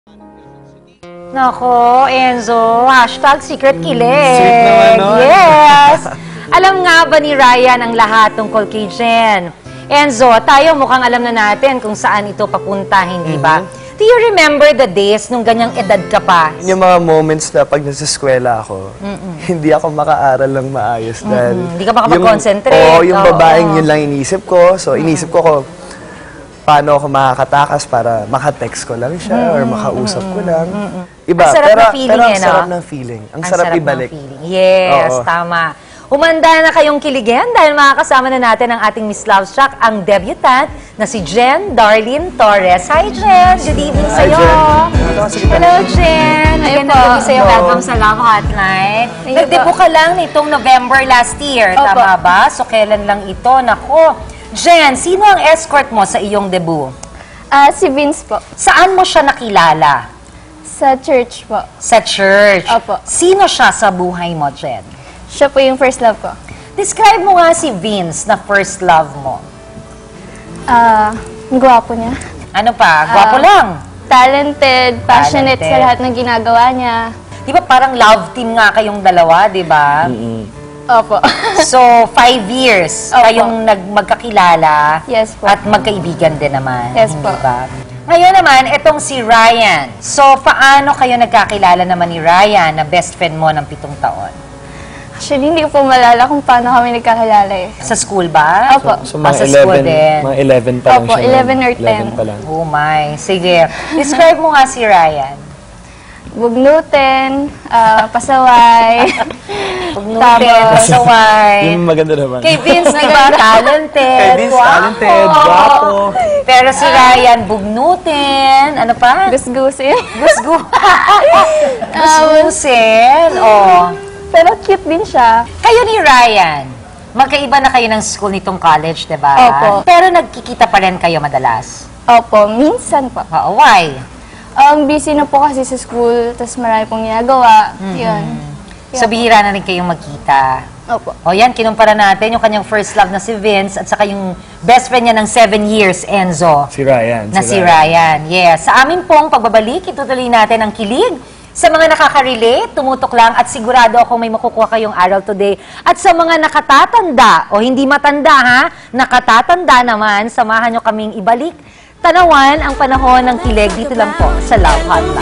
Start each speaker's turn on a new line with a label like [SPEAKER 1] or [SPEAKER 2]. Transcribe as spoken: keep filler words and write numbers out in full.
[SPEAKER 1] Nako, Enzo, hashtag secret kilig.
[SPEAKER 2] Sweet naman nun.
[SPEAKER 1] Yes! Alam nga ba ni Ryan ang lahat tungkol kay Jen? Enzo, tayo mukhang alam na natin kung saan ito papunta, hindi ba? Do you remember the days nung ganyang edad ka pa?
[SPEAKER 2] Yung mga moments na pag nasa eskwela ako, hindi ako makaaral ng maayos dahil...
[SPEAKER 1] Hindi ka makapag-concentrate.
[SPEAKER 2] Oo, yung
[SPEAKER 1] Oo.
[SPEAKER 2] babaeng yun lang inisip ko. So, inisip ko ko, paano ako makakatakas para makatext ko lang siya or makausap ko lang. Iba,
[SPEAKER 1] Ang sarap
[SPEAKER 2] pero,
[SPEAKER 1] ng feeling
[SPEAKER 2] pero ang
[SPEAKER 1] eh, no?
[SPEAKER 2] sarap ng feeling. Ang, sarap,
[SPEAKER 1] ng
[SPEAKER 2] ibalik.
[SPEAKER 1] feeling. Yes,
[SPEAKER 2] Oo.
[SPEAKER 1] tama. Humanda na kayong kiligin dahil makakasama na natin ang ating Miss Love Struck, ang debutant na si Jen Darlene Torres. Hi, Jen! Good evening
[SPEAKER 2] Hi,
[SPEAKER 1] sa'yo!
[SPEAKER 2] Jen.
[SPEAKER 1] Hello, Jen! Magandang
[SPEAKER 3] po.
[SPEAKER 1] gabi sa'yo.
[SPEAKER 3] Hello.
[SPEAKER 1] Welcome sa Love Hotline.
[SPEAKER 3] Thank you
[SPEAKER 1] Nagdebut
[SPEAKER 3] po.
[SPEAKER 1] ka lang nitong November last year,
[SPEAKER 3] Opo.
[SPEAKER 1] tama ba? So, kailan lang ito? Nako! Jen, sino ang escort mo sa iyong debut?
[SPEAKER 3] Ah, si Vince po.
[SPEAKER 1] Saan mo siya nakilala?
[SPEAKER 3] Sa church po.
[SPEAKER 1] Sa church.
[SPEAKER 3] Opo.
[SPEAKER 1] Sino siya sa buhay mo, Jen?
[SPEAKER 3] Siya po yung first love ko.
[SPEAKER 1] Describe mo nga si Vince na first love mo.
[SPEAKER 3] Ah, ang gwapo niya.
[SPEAKER 1] Ano pa? Gwapo
[SPEAKER 3] Ah.
[SPEAKER 1] lang.
[SPEAKER 3] Talented, passionate
[SPEAKER 1] Talented.
[SPEAKER 3] sa lahat ng ginagawa niya.
[SPEAKER 1] Di ba parang love team nga kayong dalawa, di ba?
[SPEAKER 3] Opo.
[SPEAKER 1] So, five years
[SPEAKER 3] Opo.
[SPEAKER 1] kayong nag magkakilala
[SPEAKER 3] Yes po.
[SPEAKER 1] at magkaibigan din naman.
[SPEAKER 3] Yes
[SPEAKER 1] hindi
[SPEAKER 3] po.
[SPEAKER 1] ba? Ngayon naman, itong si Ryan. So, paano kayo nagkakilala naman ni Ryan na best friend mo ng pitong taon?
[SPEAKER 3] Actually, hindi ko po malala kung paano kami nagkakilala eh.
[SPEAKER 1] Sa school ba?
[SPEAKER 3] Opo.
[SPEAKER 2] So,
[SPEAKER 1] Ah,
[SPEAKER 2] mga
[SPEAKER 1] sa school
[SPEAKER 2] eleven,
[SPEAKER 1] din.
[SPEAKER 2] mga eleven pa lang
[SPEAKER 3] Opo,
[SPEAKER 2] siya.
[SPEAKER 3] eleven or
[SPEAKER 2] eleven
[SPEAKER 3] ten.
[SPEAKER 2] pa lang.
[SPEAKER 1] Oh my. Sige. Describe mo nga si Ryan.
[SPEAKER 3] Bugnutin, ah, pasaway.
[SPEAKER 1] Pagnutin,
[SPEAKER 3] Tapos-
[SPEAKER 1] saway.
[SPEAKER 2] Yung maganda naman.
[SPEAKER 1] Kay Vince, di ba? Talented.
[SPEAKER 2] Kay Vince,
[SPEAKER 1] Guwapo.
[SPEAKER 2] talented, guwapo.
[SPEAKER 1] Pero si Ryan, bugnutin. Ano pa?
[SPEAKER 3] Gusgusin.
[SPEAKER 1] Gusgu. Gusgusin. Oh.
[SPEAKER 3] Pero cute din siya.
[SPEAKER 1] Kayo ni Ryan, magkaiba na kayo ng school nitong college, di ba?
[SPEAKER 3] Opo.
[SPEAKER 1] Pero nagkikita pa rin kayo madalas.
[SPEAKER 3] Opo, minsan po.
[SPEAKER 1] Oo, why?
[SPEAKER 3] Um, busy na po kasi sa school, tapos marami pong ginagawa. Yun.
[SPEAKER 1] So, bihira na rin kayong magkita.
[SPEAKER 3] Opo.
[SPEAKER 1] O yan, kinumpara natin yung kanyang first love na si Vince at saka yung best friend niya ng seven years, Enzo.
[SPEAKER 2] Si Ryan.
[SPEAKER 1] Na si Ryan. Yes. Sa amin pong pagbabalik, itutuloy natin ang kilig. Sa mga nakaka-relate, tumutok lang at sigurado ako may makukuha kayong aral today. At sa mga nakatatanda o hindi matanda ha, nakatatanda naman, samahan nyo kaming ibalik. Tanawan ang panahon ng kilig dito lang po sa Love Hotline.